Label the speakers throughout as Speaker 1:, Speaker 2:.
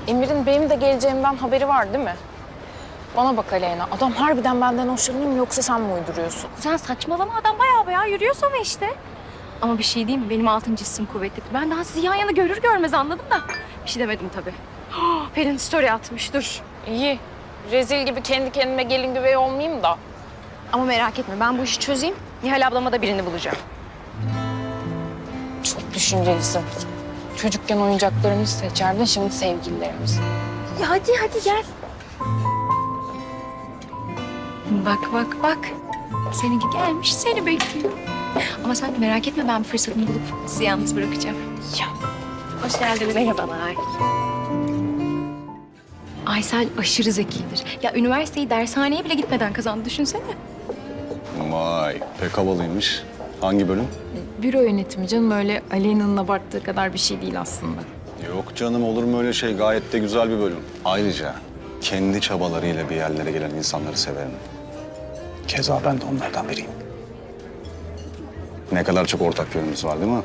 Speaker 1: Emir'in benim de geleceğimden haberi var değil mi? Bana bak Aleyna, adam harbiden benden hoşlanıyor mu yoksa sen mi uyduruyorsun?
Speaker 2: Sen saçmalama, adam bayağı yürüyor sana işte. Ama bir şey diyeyim mi? Benim altıncı hissim kuvvetlidir. Ben daha sizi yan yana görür görmez anladım da. Bir şey demedim tabii. Pelin story atmış, dur.
Speaker 1: İyi, rezil gibi kendi kendime gelin güvey olmayayım da.
Speaker 2: Ama merak etme, ben bu işi çözeyim. Nihal ablama da birini bulacağım.
Speaker 1: Çok düşüncelisin. Çocukken oyuncaklarımızı seçerdin, şimdi sevgililerimizi.
Speaker 2: Ya hadi gel. Bak. Seninki gelmiş, seni bekliyor. Ama sen merak etme, ben bir fırsatını bulup sizi yalnız bırakacağım.
Speaker 1: Ya.
Speaker 2: Hoş geldin, merhabalar. Aysel aşırı zekidir. Ya üniversiteyi dershaneye bile gitmeden kazandı, düşünsene.
Speaker 3: Vay, pek havalıymış. Hangi bölüm?
Speaker 1: Büro yönetimi canım, öyle Aleyna'nın abarttığı kadar bir şey değil aslında.
Speaker 3: Yok canım, olur mu öyle şey? Gayet de güzel bir bölüm. Ayrıca kendi çabalarıyla bir yerlere gelen insanları severim. Keza ben de onlardan biriyim. Ne kadar çok ortak yönümüz var değil mi?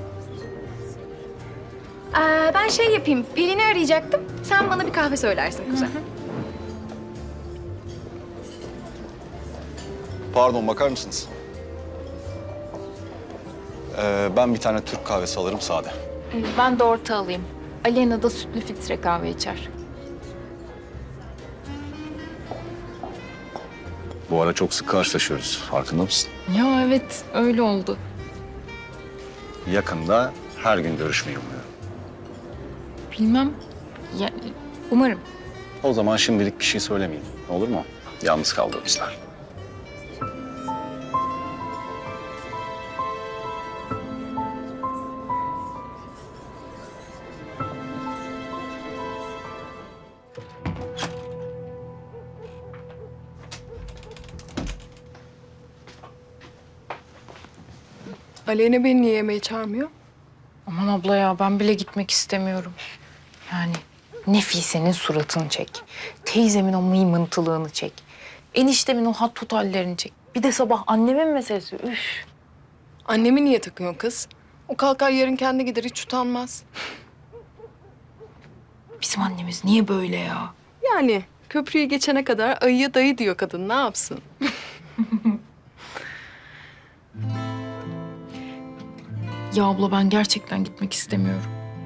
Speaker 2: Ben şey yapayım, Pelin'i arayacaktım. Sen bana bir kahve söylersin kuzen.
Speaker 3: Pardon, bakar mısınız? Ben bir tane Türk kahvesi alırım sade.
Speaker 1: Ben de orta alayım. Aleyna da sütlü filtre kahve içer.
Speaker 3: Bu ara çok sık karşılaşıyoruz. Farkında mısın?
Speaker 1: Ya evet, öyle oldu.
Speaker 3: Yakında her gün görüşmeyi umuyorum.
Speaker 1: Bilmem, ya, umarım.
Speaker 3: O zaman şimdilik bir şey söylemeyeyim. Olur mu? Yalnız kaldığımızda.
Speaker 4: Aleyna beni niye yemeğe çağırmıyor?
Speaker 1: Aman abla ya, ben bile gitmek istemiyorum. Yani Nefise'nin suratını çek. Teyzemin o mıymıntılığını çek. Eniştemin o hat tut hallerini çek. Bir de sabah annemin meselesi. Üf.
Speaker 4: Annemi niye takıyorsun kız? O kalkar yarın kendi gider, hiç utanmaz.
Speaker 1: Bizim annemiz niye böyle ya?
Speaker 4: Yani köprüyü geçene kadar ayıya dayı diyor kadın, ne yapsın?
Speaker 1: Ya abla, ben gerçekten gitmek istemiyorum.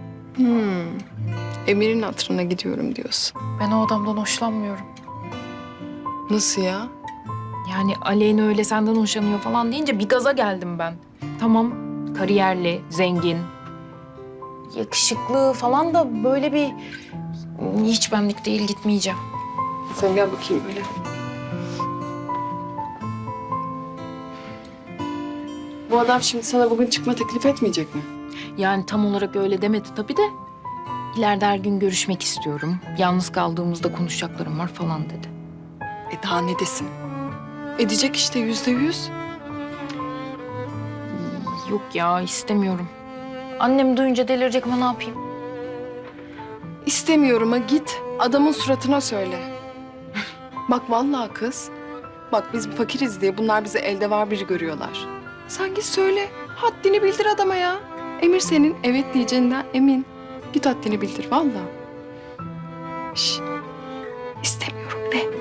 Speaker 4: Emir'in hatırına gidiyorum diyorsun.
Speaker 1: Ben o adamdan hoşlanmıyorum.
Speaker 4: Nasıl ya?
Speaker 1: Yani Aleyna öyle senden hoşlanıyor falan deyince bir gaza geldim ben. Tamam, kariyerli, zengin, yakışıklı falan da böyle bir... Hiç benlik değil, gitmeyeceğim.
Speaker 4: Sen gel bakayım böyle. Bu adam şimdi sana bugün çıkma teklif etmeyecek mi?
Speaker 1: Yani tam olarak öyle demedi tabii de. İleride her gün görüşmek istiyorum. Yalnız kaldığımızda konuşacaklarım var falan dedi.
Speaker 4: Daha ne desin? Edecek işte, %100.
Speaker 1: Yok ya, istemiyorum. Annem duyunca delirecek ama ne yapayım?
Speaker 4: İstemiyorum'a git, adamın suratına söyle. Bak vallahi kız. Bak biz fakiriz diye bunlar bizi elde var biri görüyorlar. Sen git söyle, haddini bildir adama ya. Emir senin evet diyeceğinden emin. Git haddini bildir vallahi. Şş, istemiyorum de.